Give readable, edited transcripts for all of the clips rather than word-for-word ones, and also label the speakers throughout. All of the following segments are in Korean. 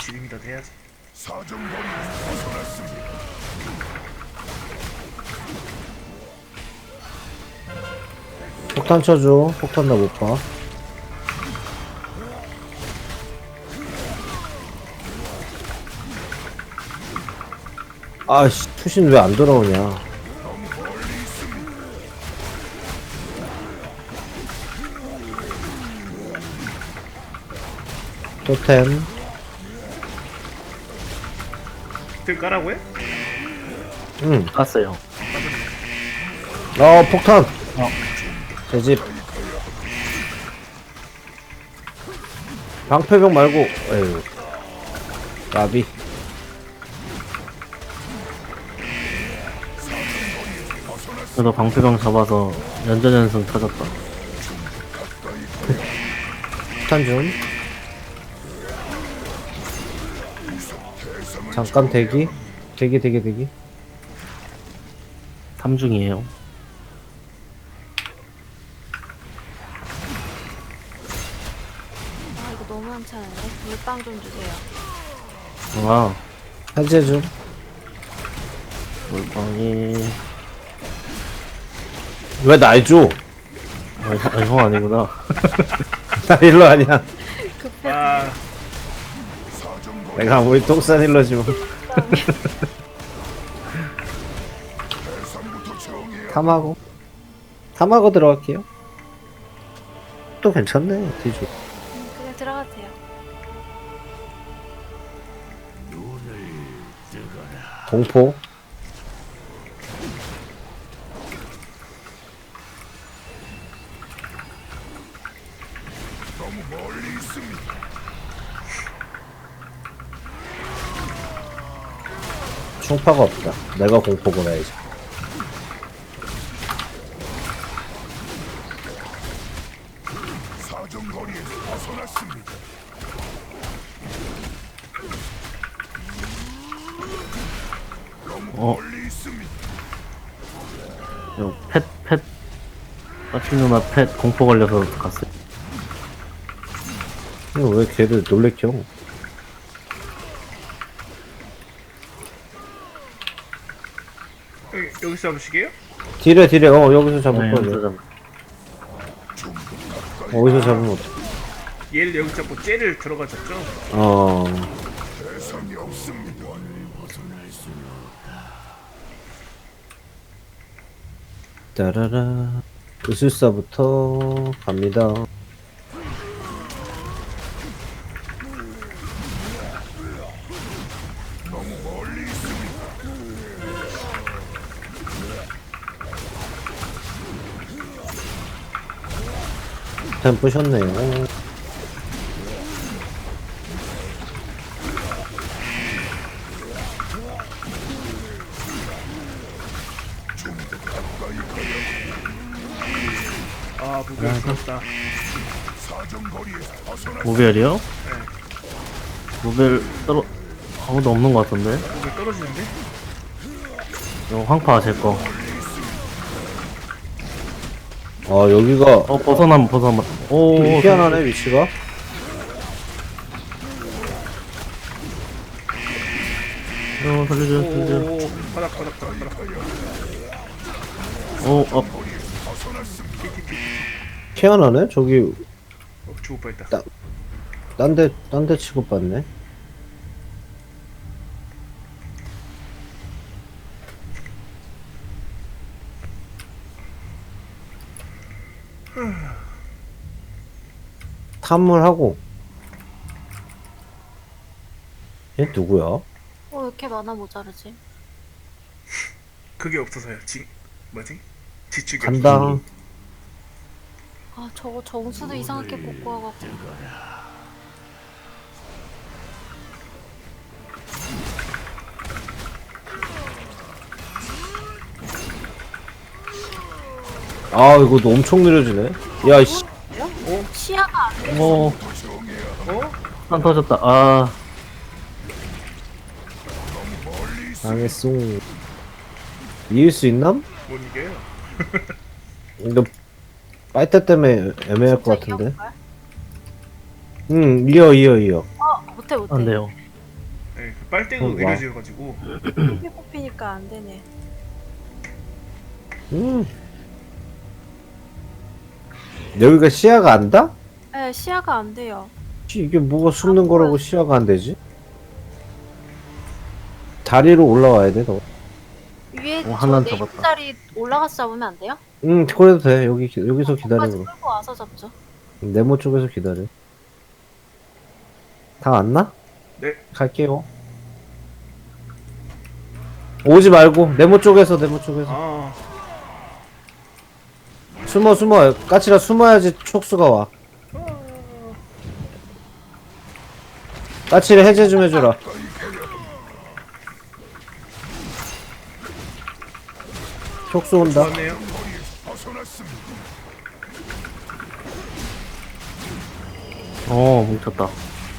Speaker 1: 지름이라도 해야지.
Speaker 2: 사정거리에서 벗어났습니다.
Speaker 3: 폭탄 쳐줘. 폭탄 나 못 봐. 아씨, 투신 왜 안 돌아오냐. 토템.
Speaker 1: 들 까라고 해?
Speaker 3: 응.
Speaker 4: 갔어요.
Speaker 3: 폭탄. 제 집. 방패병 말고, 에휴. 나비.
Speaker 4: 그래도 방패병 잡아서 연전연승 터졌다.
Speaker 3: 폭탄 좀. 잠깐 대기. 대기.
Speaker 4: 3중이에요.
Speaker 5: 아 이거 너무 한차는데 물빵 좀 주세요.
Speaker 4: 아,
Speaker 3: 해제 좀.
Speaker 4: 물방이.
Speaker 3: 왜 날 줘?
Speaker 4: 형 아니구나.
Speaker 3: 나 힐러 아니야.
Speaker 5: 급해.
Speaker 1: 아,
Speaker 3: 내가 우리 똥싼 힐러지 뭐. 탐하고 들어갈게요. 또 괜찮네. 뒤져.
Speaker 5: 그냥 들어가도 돼요.
Speaker 3: 공포.
Speaker 2: 너무 멀리 있습니다.
Speaker 3: 충파가 없다. 내가 공포 보내야지.
Speaker 2: 사정거리에서 벗어났습니다. 너무 멀리 있습니다.
Speaker 4: 요 펫. 빠친 누나 펫 공포 걸려서 갔어요.
Speaker 3: 이거 왜 걔들 놀래켜?
Speaker 1: 여기서 잡으시게요?
Speaker 3: 딜에 여기서 잡을
Speaker 4: 네,
Speaker 3: 거지.
Speaker 4: 여기서
Speaker 3: 어디서 잡으면 어떡해.
Speaker 1: 얘를 여기 잡고 쟤를 들어가 잡죠?
Speaker 2: 대상이 없습니다.
Speaker 3: 따라라. 의술사부터 갑니다. 템 부셨네요.
Speaker 1: 아, 무결스럽다.
Speaker 2: 사정거리에서 벗어났습니다.
Speaker 4: 무별이요? 무별 아무도 없는 것 같던데?
Speaker 1: 무결 떨어지는데?
Speaker 4: 요 황파 제 거.
Speaker 3: 여기가
Speaker 4: 벗어나면. 오,
Speaker 3: 희한하네, 위치가.
Speaker 4: 살려줘.
Speaker 1: 오, 바닥.
Speaker 4: 오,
Speaker 3: 희한하네? 저기,
Speaker 1: 죽을 뻔했다.
Speaker 3: 딴 데 취급받네. 탐물하고. 얘 누구야?
Speaker 5: 왜 이렇게 많아 모자르지?
Speaker 1: 그게 없어서요. 뭐지? 지축이
Speaker 3: 간다.
Speaker 5: 아 저거 정수도 이상하게 뽑고 와갖고.
Speaker 3: 이거 너 엄청 느려지네. 야, 씨.
Speaker 5: 시야가 안 돼.
Speaker 4: 한 터졌다. 아,
Speaker 3: 당했어. 이길 수 있남?
Speaker 1: 못 이겨요.
Speaker 3: 이거, 빨대 때문에 애매할 것
Speaker 5: 진짜
Speaker 3: 같은데.
Speaker 5: 이겼걸?
Speaker 3: 응, 이어.
Speaker 5: 못해.
Speaker 4: 안 돼요.
Speaker 1: 네, 그 빨대도
Speaker 3: 와.
Speaker 1: 느려져가지고.
Speaker 5: 피 뽑히니까 안 되네.
Speaker 3: 여기가 시야가 안 다?
Speaker 5: 네, 시야가 안 돼요.
Speaker 3: 이게 뭐가 숨는 거라고 시야가 안 되지? 다리로 올라와야 돼, 너.
Speaker 5: 위에
Speaker 4: 하나는
Speaker 5: 저
Speaker 4: 잡았다.
Speaker 5: 네임자리 올라가서 잡으면 안 돼요?
Speaker 3: 그래도 돼. 여기서 기다려,
Speaker 5: 거기까지
Speaker 3: 그럼.
Speaker 5: 끌고 와서 잡죠.
Speaker 3: 네모 쪽에서 기다려. 다 왔나?
Speaker 1: 네.
Speaker 3: 갈게요. 오지 말고, 네모 쪽에서.
Speaker 1: 아,
Speaker 3: 숨어. 까칠아 숨어야지 촉수가 와. 까칠이 해제 좀 해줘라. 촉수 온다.
Speaker 1: 좋았네요.
Speaker 2: 벗어났습니다.
Speaker 4: 뭉쳤다.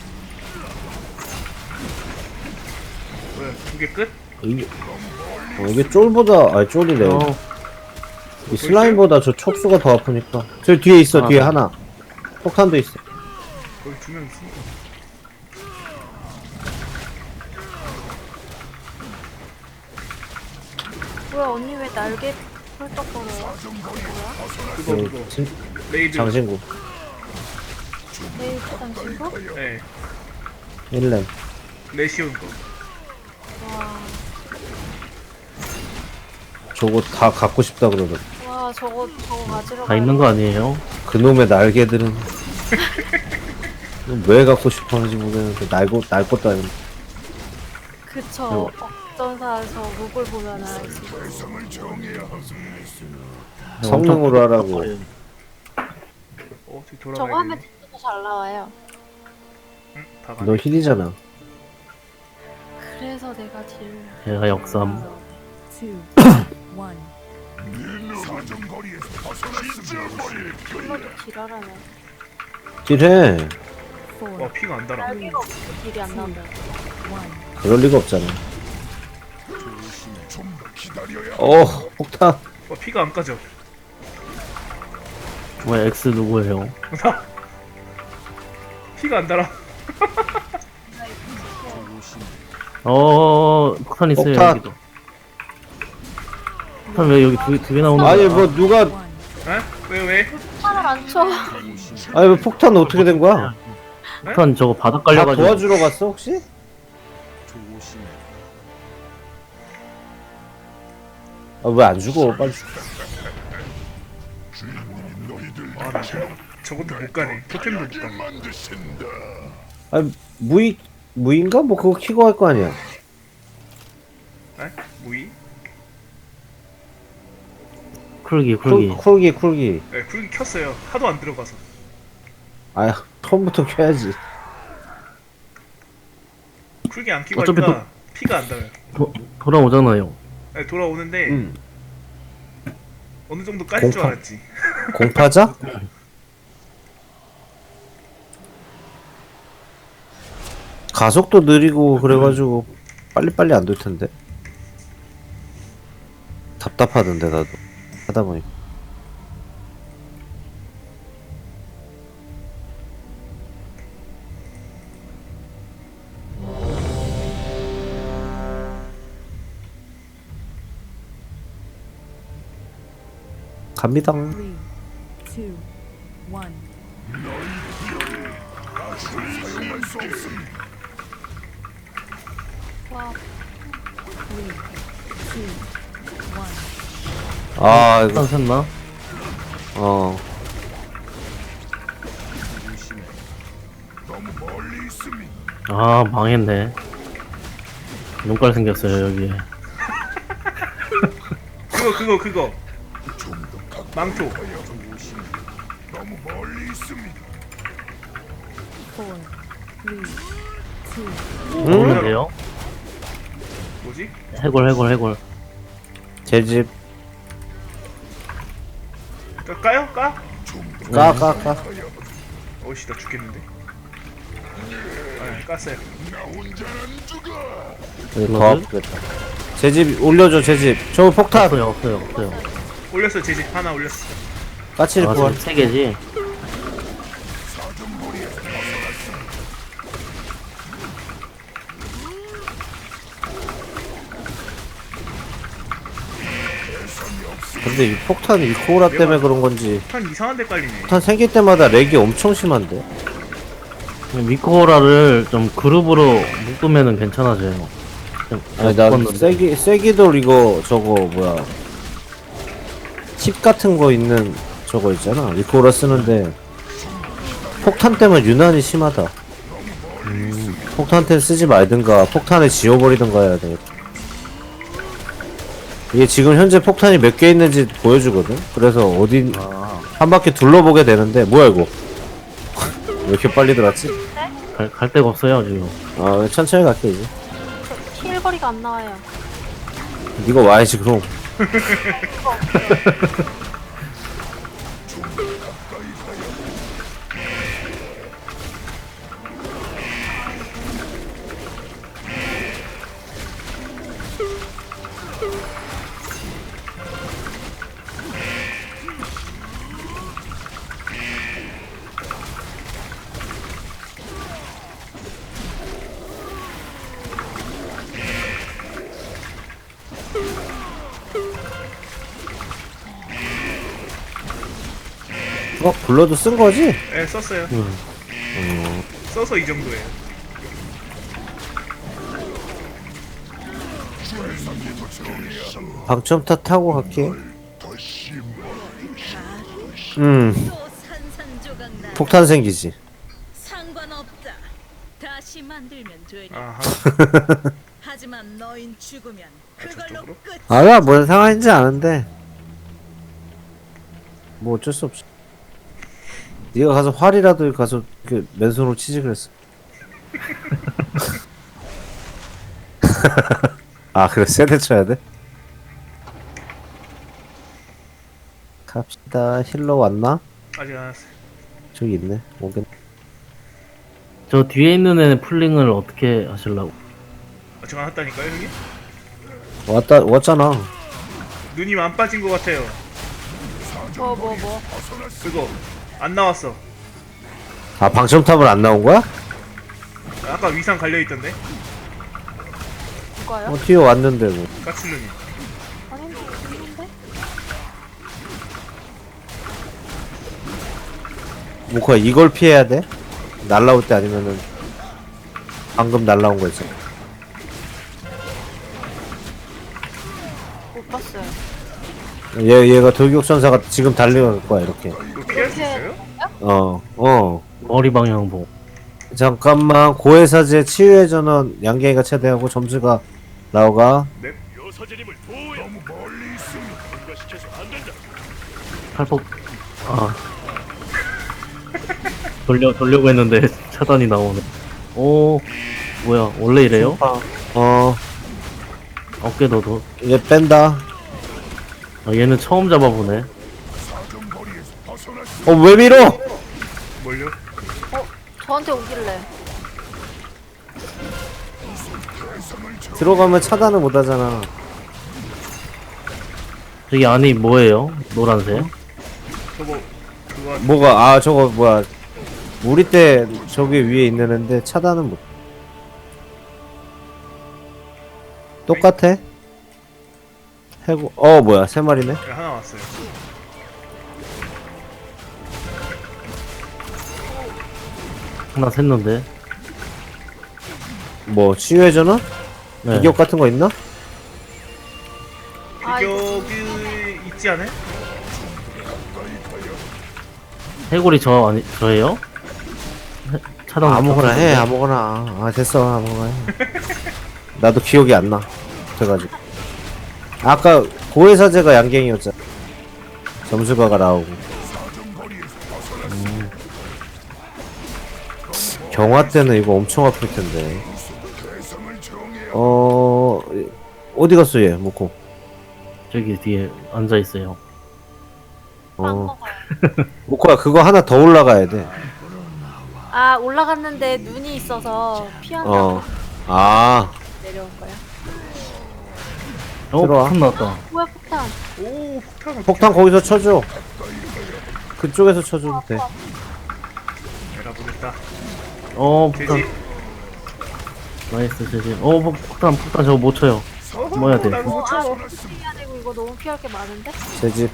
Speaker 1: 뭐야, 두 개 끝?
Speaker 3: 이게 쫄보다, 아니 쫄이래. 이 슬라임보다 저 촉수가 더 아프니까. 저 뒤에 있어, 뒤에 하나. 폭탄도 있어.
Speaker 1: 거기 두 명 있으니까.
Speaker 5: 뭐야 언니 왜 날개 펄떡거려요?
Speaker 1: 그거. 레이드.
Speaker 3: 장신구.
Speaker 5: 내일 부산 친구?
Speaker 1: 네,
Speaker 3: 1렘.
Speaker 1: 레시온 거.
Speaker 5: 와,
Speaker 3: 저거 다 갖고 싶다 그러더라.
Speaker 5: 와 저거 가지러
Speaker 4: 다 있는 거 아니에요?
Speaker 3: 그놈의 날개들은. 왜 갖고 싶어 하는지 모르겠는데, 날 것도 아닌데.
Speaker 5: 그쵸. 억전사에서 목을 보면 알지.
Speaker 2: 대상을 정해야 합니다.
Speaker 3: 성능으로 하라고.
Speaker 1: 저기
Speaker 5: 저거
Speaker 1: 돌아가야
Speaker 5: 하면
Speaker 1: 되네.
Speaker 5: 진짜 잘 나와요.
Speaker 1: 응? 다 가네.
Speaker 3: 너 힐이잖아.
Speaker 5: 그래서 내가 딜.
Speaker 4: 얘가 역삼.
Speaker 2: 사정거리에서 벗어났습니다.
Speaker 5: 딜러도 딜하라네.
Speaker 3: 딜해.
Speaker 1: 와, 피가 안 달아.
Speaker 5: 날개가 없어 딜이 안 나온다.
Speaker 3: 그럴 리가 없잖아.
Speaker 2: 좀 더 기다려야
Speaker 3: 폭탄.
Speaker 1: 와, 피가 안 까져.
Speaker 4: 뭐야, X 누구예요?
Speaker 1: 피가 안 달아.
Speaker 4: 폭탄 있어요,
Speaker 3: 폭탄.
Speaker 4: 여기도. 폭탄 왜 여기 두 개 나오는 거야?
Speaker 3: 아니, 뭐, 누가,
Speaker 1: 에? 왜?
Speaker 5: 팔을 안 쳐.
Speaker 3: 아니, 뭐, 폭탄 어떻게 된 거야?
Speaker 4: 폭탄 저거 바닥
Speaker 3: 다
Speaker 4: 깔려가지고.
Speaker 3: 도와주러 갔어, 혹시? 왜 안 죽어? 빨리 죽어.
Speaker 1: 아, 나 저것도 못 가네. 토템도 못 가네.
Speaker 2: 만드신다.
Speaker 3: 아니, 무인가? 뭐, 그거 키고 할 거 아니야.
Speaker 1: 에? 무이?
Speaker 4: 쿨기.
Speaker 3: 쿨기.
Speaker 1: 네, 쿨기 켰어요. 하도 안 들어가서.
Speaker 3: 아야, 처음부터 켜야지.
Speaker 1: 쿨기 안 키고
Speaker 4: 어차피
Speaker 1: 하니까 피가 안 달아요.
Speaker 4: 돌아오잖아요.
Speaker 1: 네, 돌아오는데
Speaker 3: 응.
Speaker 1: 어느 정도 까질 줄
Speaker 3: 공파.
Speaker 1: 알았지.
Speaker 3: 공파자? 가속도 느리고 그래가지고 빨리빨리 안 될 텐데. 답답하던데 나도 하다 보니까. 갑니다.
Speaker 2: 사용할 수 없습니다.
Speaker 5: 와,
Speaker 3: 아 이거
Speaker 4: 폭탄 샜나?
Speaker 2: 너무 멀리 있습니다.
Speaker 4: 망했네. 눈깔 생겼어요, 여기에.
Speaker 1: 그거. 망토.
Speaker 2: 너무 멀리 있습니다.
Speaker 4: 오는데요?
Speaker 1: 뭐지?
Speaker 4: 해골.
Speaker 3: 제 집.
Speaker 1: 까요? 까?
Speaker 3: 까.
Speaker 1: 어이씨, 나 죽겠는데. 아, 깠어요.
Speaker 2: 나 혼자는 죽어.
Speaker 3: 더 아프겠다. 제 집 올려줘, 제 집. 저 폭탄.
Speaker 4: 없어요.
Speaker 1: 올렸어, 제 집 하나 올렸어.
Speaker 3: 까치를 구할.
Speaker 4: 세 개지?
Speaker 3: 근데 이 폭탄 이코라 때문에 그런 건지
Speaker 1: 폭탄 이상한 데 깔리네.
Speaker 3: 폭탄 생길 때마다 렉이 엄청 심한데.
Speaker 4: 미코라를 좀 그룹으로 묶으면은 괜찮아져요.
Speaker 3: 아니 나
Speaker 4: 묶었는데.
Speaker 3: 세기돌 이거 저거 뭐야 칩 같은 거 있는 저거 있잖아 이코라 쓰는데 폭탄 때문에 유난히 심하다. 폭탄 템 쓰지 말든가 폭탄을 지워버리든가 해야 돼. 이게 지금 현재 폭탄이 몇 개 있는지 보여주거든. 그래서 어디 한 바퀴 둘러보게 되는데 뭐야 이거 왜 이렇게 빨리 들어왔지?
Speaker 4: 갈 데가 없어요 지금.
Speaker 3: 아 천천히 갈게 이제.
Speaker 5: 저 킬거리가 안 나와요.
Speaker 3: 니가 와야지 그럼. 블러드 쓴 거지?
Speaker 1: 네, 썼어요. 써서 이 정도예요.
Speaker 3: 방첨타 타고 갈게.
Speaker 6: 또 산산조각 나.
Speaker 3: 폭탄 생기지.
Speaker 6: 상관없다. 다시 만들면 되니.
Speaker 1: 아하.
Speaker 6: 하지만 너인 죽으면 그걸로
Speaker 1: 저쪽으로?
Speaker 6: 끝.
Speaker 3: 알아, 뭔 상황인지 아는데. 뭐 어쩔 수 없어. 네가 가서 활이라도 가서 그 맨손으로 치지 그랬어. 아 그래 세대 쳐야 돼? 갑시다. 힐러 왔나?
Speaker 1: 아직 안 왔어요.
Speaker 3: 저기 있네. 오겠네.
Speaker 4: 저 뒤에 있는 애는 풀링을 어떻게 하실라고?
Speaker 1: 제가 왔다니까요, 형님?
Speaker 3: 왔잖아.
Speaker 1: 누님 안 빠진 것 같아요.
Speaker 5: 뭐.
Speaker 1: 그거 안 나왔어.
Speaker 3: 아 방첨탑을 안 나온 거야?
Speaker 1: 아까 위상 갈려 있던데.
Speaker 5: 누가요?
Speaker 3: 튀어 왔는데 뭐.
Speaker 1: 까칠루님.
Speaker 5: 아니, 있는데?
Speaker 3: 뭐야 이걸 피해야 돼? 날라올 때 아니면은 방금 날라온 거 있잖아.
Speaker 5: 못 봤어요.
Speaker 3: 얘가 돌격전사가 지금 달려갈 거야 이렇게.
Speaker 1: 이거 피할 수 있어요?
Speaker 4: 머리 방향 보고.
Speaker 3: 잠깐만 고해사제 치유의 전원 양갱이가 최대하고 점수가 나오가.
Speaker 1: 네.
Speaker 2: 너무 멀리 있습니다.
Speaker 4: 팔복. 아. 돌려고 했는데 차단이 나오네. 오, 뭐야, 원래 이래요? 어깨 너도.
Speaker 3: 얘 뺀다.
Speaker 4: 아, 얘는 처음 잡아보네.
Speaker 2: 사정거리에서 벗어날 수
Speaker 3: 왜 밀어?
Speaker 1: 뭘요?
Speaker 5: 저한테 오길래.
Speaker 3: 들어가면 차단을 못 하잖아.
Speaker 4: 저기 안이 뭐예요? 노란색?
Speaker 1: 저거 그거
Speaker 3: 뭐가 저거 뭐야 우리 때 저기 위에 있는 앤데 차단은 못. 똑같아? 해고 뭐야 세 마리네.
Speaker 1: 하나 왔어요.
Speaker 4: 하나 샜는데.
Speaker 3: 뭐 치유의 전원?
Speaker 4: 네.
Speaker 3: 비격 같은 거 있나?
Speaker 5: 아, 이거
Speaker 1: 비격이 있지 않아요?
Speaker 4: 해골이 저예요? 차단
Speaker 3: 아무거나 해 아무거나. 됐어 아무거나 해. 나도 기억이 안 나. 그래가지고 아까 고해사제가 양갱이었잖아. 점수가가 나오고. 경화 때는 이거 엄청 아플 텐데.
Speaker 2: 대상을 정해야
Speaker 3: 어디 갔어 얘 모코?
Speaker 4: 저기 뒤에 앉아 있어요.
Speaker 5: 빵 먹어요.
Speaker 3: 모코야 그거 하나 더 올라가야 돼.
Speaker 5: 아, 올라갔는데 눈이 있어서 피한다고 내려온 거야.
Speaker 3: 들어와.
Speaker 4: 폭탄 나왔다.
Speaker 5: 뭐야, 폭탄.
Speaker 1: 오, 폭탄.
Speaker 3: 폭탄 거기서 쳐줘. 그쪽에서 쳐줘도 돼.
Speaker 1: 내가 보겠다.
Speaker 4: 폭탄.
Speaker 1: 돼지.
Speaker 4: 나이스, 제지. 폭탄 저거 못 쳐요. 뭐야 돼?
Speaker 1: 나 이거 못 참아.
Speaker 5: 피해야 되고 이거 너무 피할 게 많은데?
Speaker 3: 제집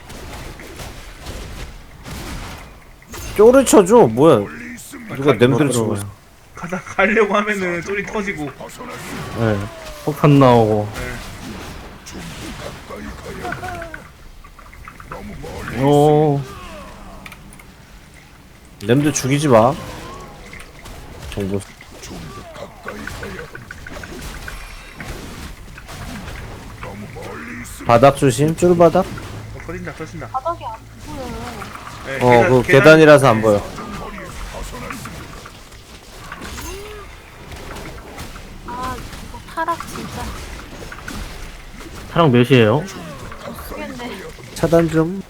Speaker 3: 쪼를 쳐줘 뭐야 누가 냄새를 치고 있어.
Speaker 1: 가려고 하면은 쫄이 터지고.
Speaker 4: 네. 폭탄 나오고. 오.
Speaker 3: 냄새 죽이지 마 정보 바닥 조심 쫄바닥
Speaker 1: 터진다 터진다.
Speaker 5: 바닥이 안 보여요.
Speaker 1: 네,
Speaker 3: 그 계단이라서 안 보여.
Speaker 5: 아 이거 타락 진짜
Speaker 4: 타락 몇이에요?
Speaker 5: 쓰겠네.
Speaker 3: 차단 좀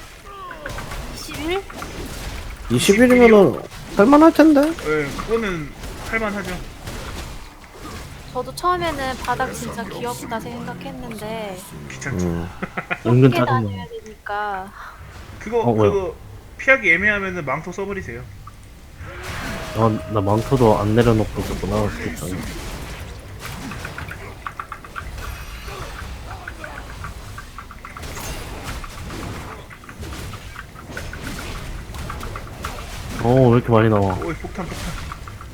Speaker 5: 21?
Speaker 3: 20일이면은 할만할 텐데.
Speaker 1: 네, 그거는 할만하죠.
Speaker 5: 저도 처음에는 바닥 진짜 귀엽다 생각했는데
Speaker 1: 귀찮죠.
Speaker 4: 은근
Speaker 5: 함께
Speaker 4: 짜증나.
Speaker 5: 다녀야 되니까
Speaker 1: 그거
Speaker 4: 뭐야?
Speaker 1: 그거 피하기 애매하면은 망토 써버리세요.
Speaker 4: 나 망토도 안 내려놓고 있었구나. 진짜. 왜 이렇게 많이 나와?
Speaker 1: 오이 폭탄 폭탄.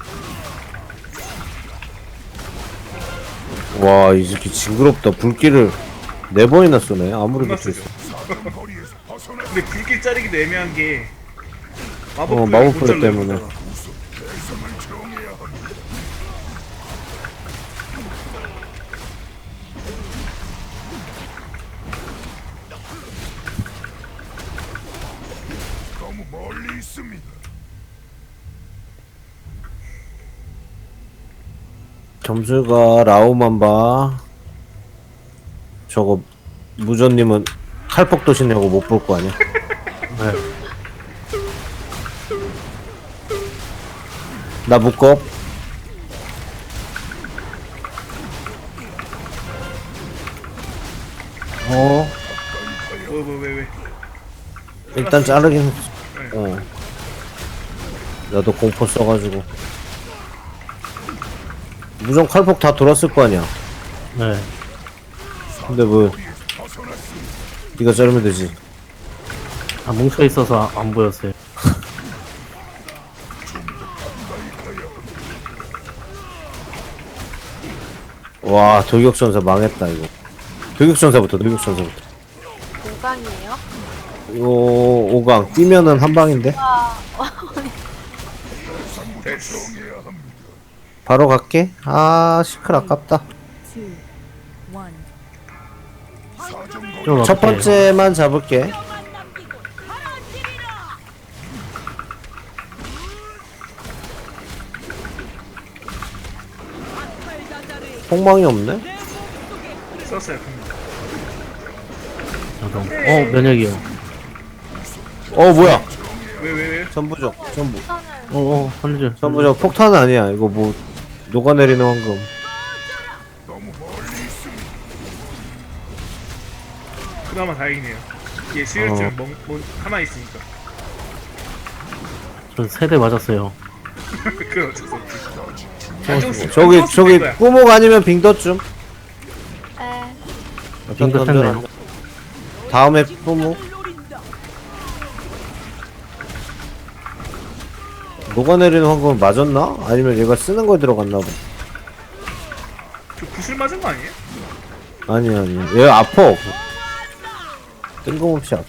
Speaker 3: 와, 이 새끼 징그럽다. 불길을 4번이나 쏘네. 아무리
Speaker 1: 겁나
Speaker 3: 붙어
Speaker 1: 쓰죠.
Speaker 3: 있어.
Speaker 1: 근데 불길 자르기도 애매한 게
Speaker 3: 마법 플레이 때문에.
Speaker 2: 너무 멀리 있습니다.
Speaker 3: 점수가 라오만 봐. 저거 무전님은 칼폭 도시냐고 못 볼 거 아니야?
Speaker 4: 네.
Speaker 3: 나 묶어.
Speaker 1: 왜?
Speaker 3: 일단 자르긴. 나도 공포 써가지고. 무전 칼폭 다 돌았을 거 아니야.
Speaker 4: 네.
Speaker 3: 근데 뭐 네가 자르면 되지.
Speaker 4: 뭉쳐 있어서 안 보였어요.
Speaker 3: 와, 돌격전사 망했다 이거. 돌격전사부터.
Speaker 5: 5강이에요?
Speaker 3: 이거 5강 뛰면은 한 방인데.
Speaker 1: 됐어.
Speaker 3: 바로 갈게. 아, 시클 아깝다.
Speaker 4: 좀
Speaker 3: 첫
Speaker 4: 어떡해요?
Speaker 3: 번째만 잡을게. 폭망이 없네.
Speaker 1: 썼어요.
Speaker 4: 저도. 면역이요.
Speaker 3: 뭐야?
Speaker 1: 왜?
Speaker 3: 전부적. 전부.
Speaker 4: 살려줘.
Speaker 3: 전부적 폭탄 아니야. 이거 뭐 녹아내리는 황금.
Speaker 1: 그나마 다행이네요. 얘 수혈증 가만히 있으니까.
Speaker 4: 저 세대 맞았어요.
Speaker 1: 그건 어쩔 수 없지. 안정수,
Speaker 3: 저기
Speaker 1: 안정수 될 거야.
Speaker 3: 꾸목 아니면 빙덧
Speaker 5: 네.
Speaker 3: 빙덧
Speaker 4: 했네요.
Speaker 3: 다음에 꾸목. 녹아내리는 황금은 맞았나? 아니면 얘가 쓰는 거에 들어갔나 봐.
Speaker 1: 저 구슬 맞은 거 아니에요?
Speaker 3: 아니. 얘 아파. 뜬금없이 아파.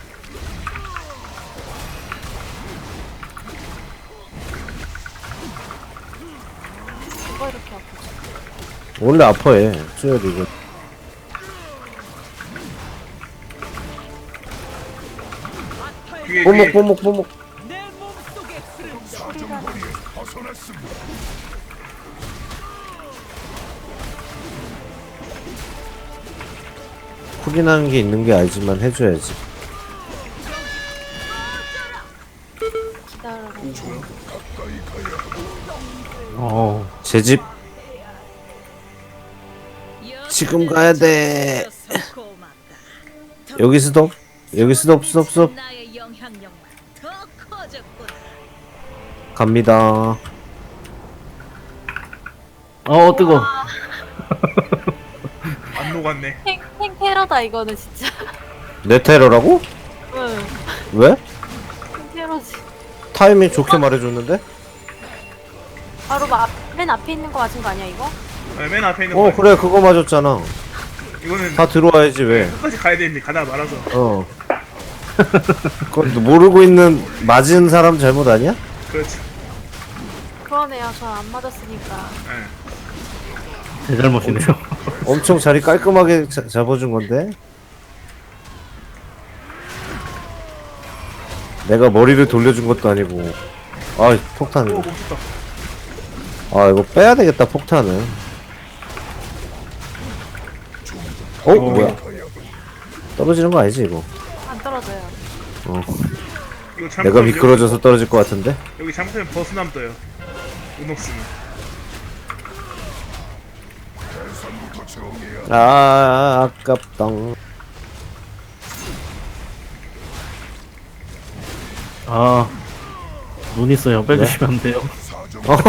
Speaker 5: 뭐가 이렇게 아프지?
Speaker 3: 원래 아파 얘. 수혈이 이거.
Speaker 1: 그게
Speaker 3: 뽀목. 쿨이나는 게 있는 게 알지만 해줘야지.
Speaker 5: 기다려봐.
Speaker 3: 제집 지금 가야 돼. 여기 스톱. 스톱.
Speaker 6: 나의 영향력만 더 커졌구나.
Speaker 3: 갑니다.
Speaker 4: 뜨거.
Speaker 1: 녹았네.
Speaker 5: 테러다 이거는 진짜.
Speaker 3: 내 테러라고?
Speaker 5: 응.
Speaker 3: 왜?
Speaker 5: 테러지.
Speaker 3: 타이밍 좋게 말해줬는데?
Speaker 5: 바로 맨 앞에 있는 거 맞은 거 아니야 이거?
Speaker 1: 네, 맨 앞에 있는
Speaker 3: 어
Speaker 1: 거.
Speaker 3: 그래 그거 맞았잖아.
Speaker 1: 이거는
Speaker 3: 다 들어와야지 왜?
Speaker 1: 끝까지 가야 되는데 가다 말아서.
Speaker 3: 어. 그건 모르고 있는 맞은 사람 잘못 아니야?
Speaker 1: 그렇죠.
Speaker 5: 그러네요. 전 안 맞았으니까.
Speaker 1: 네.
Speaker 4: 제 잘못이네요.
Speaker 3: 엄청 자리 깔끔하게 잡아준 건데? 내가 머리를 돌려준 것도 아니고. 아 폭탄.
Speaker 1: 오 멈췄다.
Speaker 3: 아 이거 빼야 되겠다 폭탄은. 어? 뭐야? 떨어지는 거 아니지 이거?
Speaker 5: 안 떨어져요.
Speaker 3: 어.
Speaker 1: 이거 잘못하면
Speaker 3: 내가 미끄러져서 떨어질 것 같은데?
Speaker 1: 여기 잘못하면 버스남 떠요. 운 없으면.
Speaker 2: 대상부터 정해야
Speaker 3: 아 아깝다.
Speaker 4: 아, 눈 있어요. 빼주시면 안 돼요.
Speaker 2: 사정
Speaker 3: 어?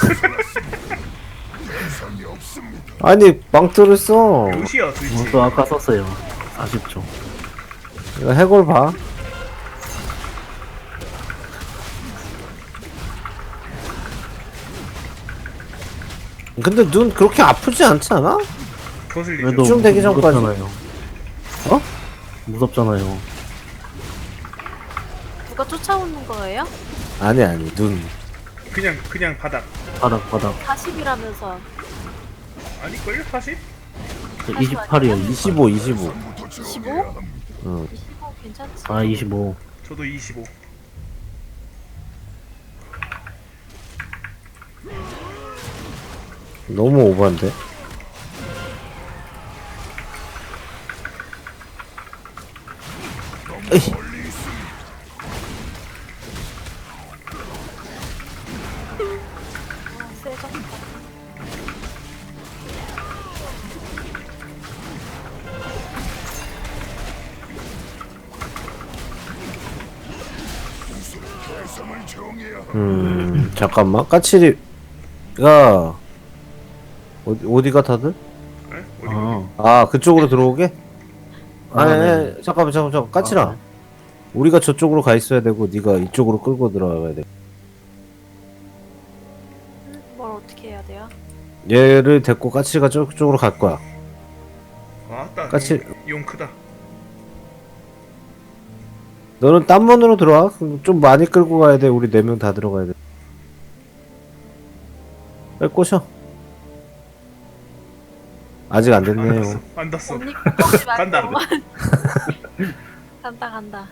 Speaker 2: 대상이 없습니다.
Speaker 3: 아니 망토를 써.
Speaker 1: 몇이야 도대체?
Speaker 4: 또 아까 썼어요. 40초.
Speaker 3: 이거 해골 봐. 근데 눈 그렇게 아프지 않지 않아?
Speaker 1: 거슬리죠.
Speaker 4: 그래도
Speaker 3: 좀 되기 전까지.
Speaker 4: 무섭잖아요.
Speaker 3: 어?
Speaker 4: 무섭잖아요.
Speaker 5: 누가 쫓아오는 거예요?
Speaker 3: 아니 눈.
Speaker 1: 그냥 바닥.
Speaker 4: 바닥.
Speaker 5: 40이라면서.
Speaker 1: 아닐걸요? 40?
Speaker 4: 28이요.
Speaker 3: 25.
Speaker 5: 25?
Speaker 3: 응.
Speaker 5: 25 괜찮지?
Speaker 4: 아, 25.
Speaker 1: 저도 25.
Speaker 3: 너무 오버한데? 에이.
Speaker 5: 세죠?
Speaker 2: 대상을 정해야 합니다.
Speaker 3: 잠깐만 까칠이가 어디가 다들?
Speaker 1: 네? 어디?
Speaker 4: 아,
Speaker 3: 아 그쪽으로 들어오게? 아니,
Speaker 4: 네.
Speaker 3: 아니 잠깐만 까칠아. 우리가 저쪽으로 가 있어야 되고 네가 이쪽으로 끌고 들어가야 돼.
Speaker 5: 뭘 어떻게 해야 돼요?
Speaker 3: 얘를 데리고 까칠이가 저쪽으로 갈 거야.
Speaker 1: 아따.
Speaker 3: 같이-
Speaker 1: 용 크다.
Speaker 3: 너는 딴 문으로 들어와. 그럼 좀 많이 끌고 가야 돼. 우리 4명 다 들어가야 돼. 빨리 꼬셔. 아직 안
Speaker 1: 안
Speaker 3: 됐네요.
Speaker 1: 닿았어. 안 닿았어.
Speaker 5: 언니 꺾지
Speaker 1: 간다.
Speaker 5: 말고. 간다.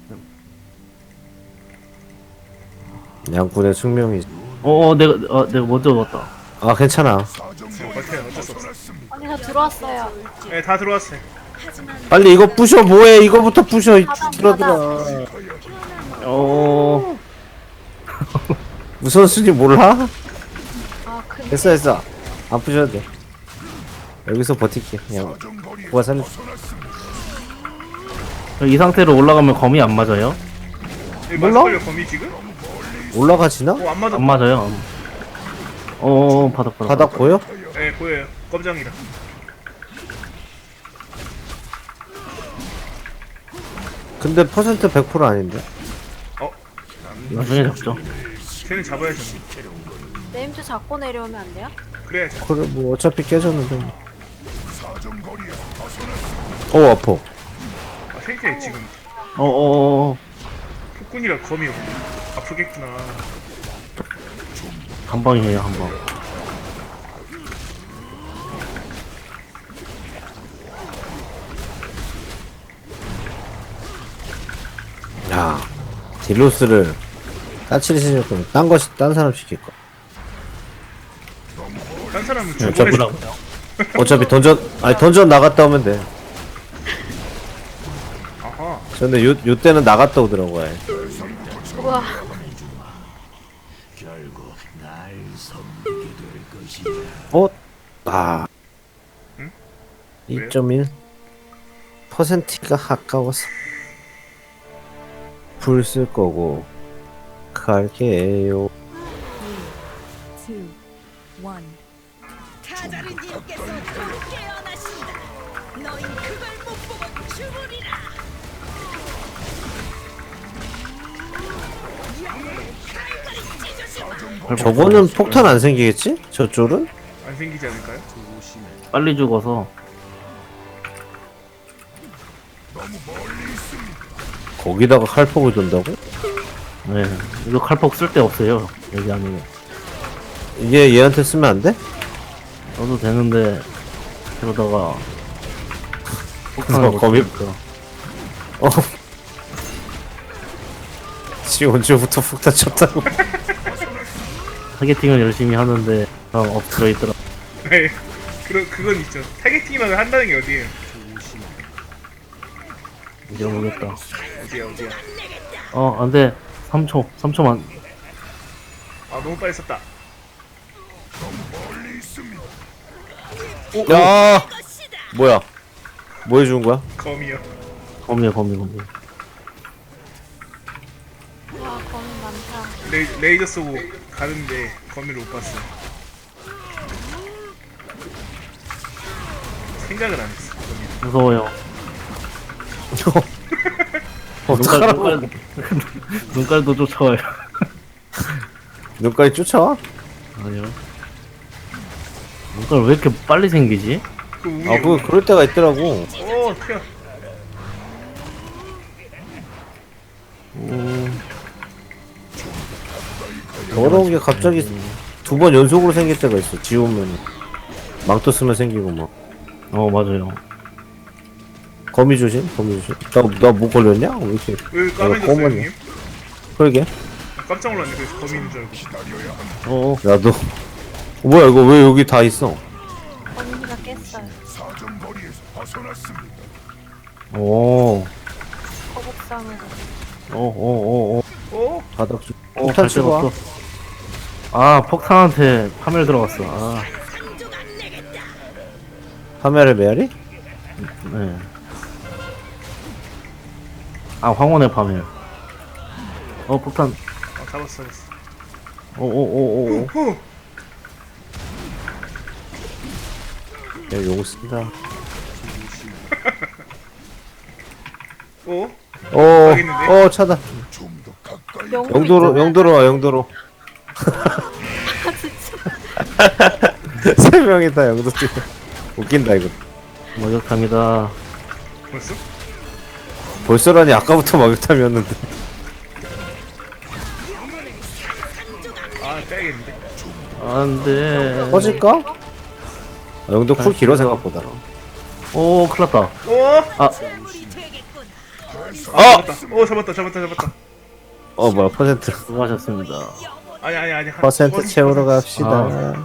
Speaker 3: 양꾼의 숙명이.
Speaker 4: 내가 먼저 왔다.
Speaker 3: 아 괜찮아.
Speaker 2: 사정
Speaker 1: 버텨요. 어쩔 수 없어.
Speaker 2: 떠났습니다.
Speaker 5: 언니 저 들어왔어요.
Speaker 1: 네, 다 들어왔어요.
Speaker 3: 빨리 이거 부셔. 뭐해? 이거부터 부셔. 이
Speaker 5: 바닥,
Speaker 3: 들어들어.
Speaker 4: 어,
Speaker 3: 무선수님 몰라?
Speaker 5: 아 근데
Speaker 3: 됐어. 안 부셔도 돼. 여기서 버틸게. 그냥
Speaker 2: 사정거리에
Speaker 3: 구가 살려.
Speaker 2: 벗어났습니다.
Speaker 4: 이 상태로 올라가면 검이 안 맞아요?
Speaker 1: 여기
Speaker 3: 몰라?
Speaker 1: 맞을걸요 거미 지금?
Speaker 3: 올라가지나?
Speaker 1: 안 맞아.
Speaker 4: 안 맞아요. 바닥.
Speaker 3: 바닥 보여?
Speaker 1: 네 보여요. 껌장이라.
Speaker 3: 근데 퍼센트 100% 아닌데?
Speaker 4: 나중에 잡죠.
Speaker 1: 쟤는 잡아야죠.
Speaker 5: 네임즈 잡고 내려오면 안 돼요?
Speaker 1: 그래야죠.
Speaker 3: 그래 뭐 어차피 깨졌는데.
Speaker 2: 사정거리에
Speaker 3: 아파.
Speaker 1: 아 생태 지금 폭군이라 검이 아프겠구나.
Speaker 4: 한 방이에요, 한 방.
Speaker 3: 야, 딜로스를 까칠이 시킬 거면 딴 사람 시킬 거.
Speaker 1: 딴 사람은
Speaker 3: 네,
Speaker 1: 주변에
Speaker 3: 어차피 던전 나갔다 오면 돼.
Speaker 1: 아하.
Speaker 3: 근데 요 때는 나갔다 오더라고. 아예.
Speaker 5: 우와.
Speaker 3: 어? 아.
Speaker 1: 응?
Speaker 3: 2.1 퍼센트가 아까워서 불 쓸 거고 갈게요.
Speaker 6: 타자르님께서 곧 깨어나신다. 너희 그걸 못 보고 죽으리라.
Speaker 3: 저거는 폭탄 안 생기겠지? 저쪽은?
Speaker 1: 안 생기지 않을까요?
Speaker 4: 빨리 죽어서.
Speaker 3: 거기다가 칼폭을 둔다고?
Speaker 4: 네. 이거 칼폭 쓸 데 없어요. 여기 아니면.
Speaker 3: 이게 얘한테 쓰면 안 돼?
Speaker 4: 써도 되는데, 그러다가. 폭탄을 못
Speaker 3: 거미-
Speaker 4: 쓰니까.
Speaker 3: 어. 지금 언제부터 폭탄 쳤다고?
Speaker 4: 타겟팅을 열심히 하는데, 엎드려 있더라.
Speaker 1: 네. 그건 있죠. 타겟팅만 한다는 게 어디예요?
Speaker 4: 이제 모르겠다.
Speaker 1: 어디야?
Speaker 4: 안 돼. 3초. 3초만.
Speaker 1: 아 너무 빨리 썼다.
Speaker 3: 야! 뭐야? 뭐 해준 거야?
Speaker 1: 검이요.
Speaker 4: 거미.
Speaker 5: 와 거미 많다.
Speaker 1: 레이저 쏘고 가는데 검이를 못 봤어. 생각을 안 했어. 검이.
Speaker 4: 무서워요.
Speaker 3: 어떡하라고?
Speaker 4: 눈깔도 쫓아와요.
Speaker 3: 눈까지 쫓아와?
Speaker 4: 아니요. 눈깔 왜 이렇게 빨리 생기지?
Speaker 1: 그 위에.
Speaker 3: 아, 그럴 때가 있더라고.
Speaker 1: 오 튀어.
Speaker 3: 더러운 게 갑자기 2번 연속으로 생길 때가 있어. 지우면 망토 쓰면 생기고 막.
Speaker 4: 맞아요.
Speaker 3: 거미 조심. 나 뭐 걸렸냐? 왜 이렇게?
Speaker 1: 왜 까매졌어요
Speaker 3: 검은이야.
Speaker 1: 형님?
Speaker 3: 그러게.
Speaker 1: 깜짝 놀랐네. 그래서 검이 있는 줄 알고.
Speaker 3: 나도. 뭐야 이거 왜 여기 다 있어?
Speaker 5: 거미가 깼어요.
Speaker 2: 사정거리에서 벗어났습니다.
Speaker 4: 오.
Speaker 5: 거북상으로.
Speaker 4: 오.
Speaker 1: 오?
Speaker 3: 바닥 좀.
Speaker 4: 갈
Speaker 3: 폭탄
Speaker 4: 데가
Speaker 3: 치고 와.
Speaker 4: 없어. 아, 폭탄한테 파멸 들어갔어. 아,
Speaker 3: 파멸의 메아리?
Speaker 4: 네. 아, 황혼의 파멸. 폭탄.
Speaker 1: 아 잡았어.
Speaker 4: 오.
Speaker 1: 호.
Speaker 3: 야, 요거 쓴다.
Speaker 1: 오?
Speaker 3: 오, 차다.
Speaker 2: 좀 더 가까이
Speaker 3: 영도로 와, 영도로. 세 명이다, 영도 뛰어. 웃긴다, 이거.
Speaker 4: 목욕탕이다.
Speaker 1: 벌써?
Speaker 3: 벌써라니, 아까부터 막욕탐이었는데.
Speaker 1: 아 빼야겠는데.
Speaker 4: 안 돼.
Speaker 3: 꺼질까? 아, 영도 쿨 길어, 생각보다.
Speaker 4: 오, 큰일 났다.
Speaker 1: 오?
Speaker 6: 우리 되겠군.
Speaker 1: 잡았다. 오 잡았다.
Speaker 3: 뭐야, 퍼센트.
Speaker 4: 수고하셨습니다.
Speaker 1: 아니.
Speaker 3: 퍼센트 채우러 갑시다.
Speaker 4: 아.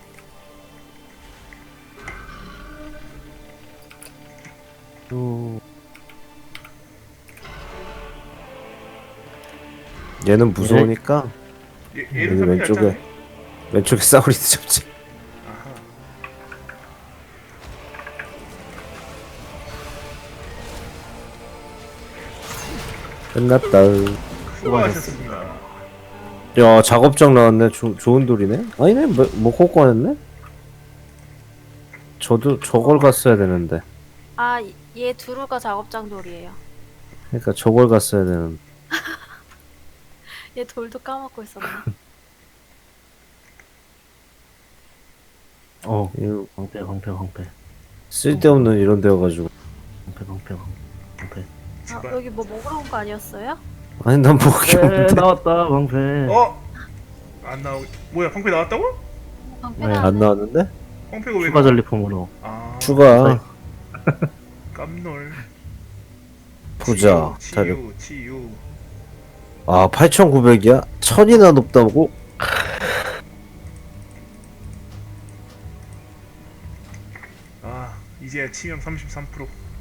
Speaker 3: 얘는 무서우니까,
Speaker 1: 얘는
Speaker 3: 여기 왼쪽에, 왼쪽에 싸우리드 잡지. 끝났다.
Speaker 1: 수고하셨습니다.
Speaker 3: 야, 작업장 나왔네. 좋은 돌이네. 아니네, 뭐 꽂고했네. 저도 저걸 갔어야 되는데.
Speaker 5: 아 얘 두루가 작업장 돌이에요.
Speaker 3: 그러니까 저걸 갔어야 되는.
Speaker 5: 얘 돌도 까먹고 있었네.
Speaker 3: 이거
Speaker 4: 방패.
Speaker 3: 쓸데없는 이런 데여가지고.
Speaker 4: 방패.
Speaker 5: 아 여기 뭐 먹으러 온 거 아니었어요?
Speaker 3: 아니 난 먹기 없는데.
Speaker 4: 나왔다, 방패.
Speaker 1: 안 나오고 뭐야? 방패 나왔다고?
Speaker 5: 방패
Speaker 4: 네,
Speaker 5: 나왔네.
Speaker 3: 안 나왔는데?
Speaker 1: 방패가 왜?
Speaker 4: 추가 전리품으로.
Speaker 1: 아
Speaker 3: 추가
Speaker 1: 깜놀.
Speaker 3: 보자. 자료.
Speaker 1: 치유.
Speaker 3: 아 8,900이야? 1,000이나 높다고?
Speaker 1: 아 이제야 치명 33%.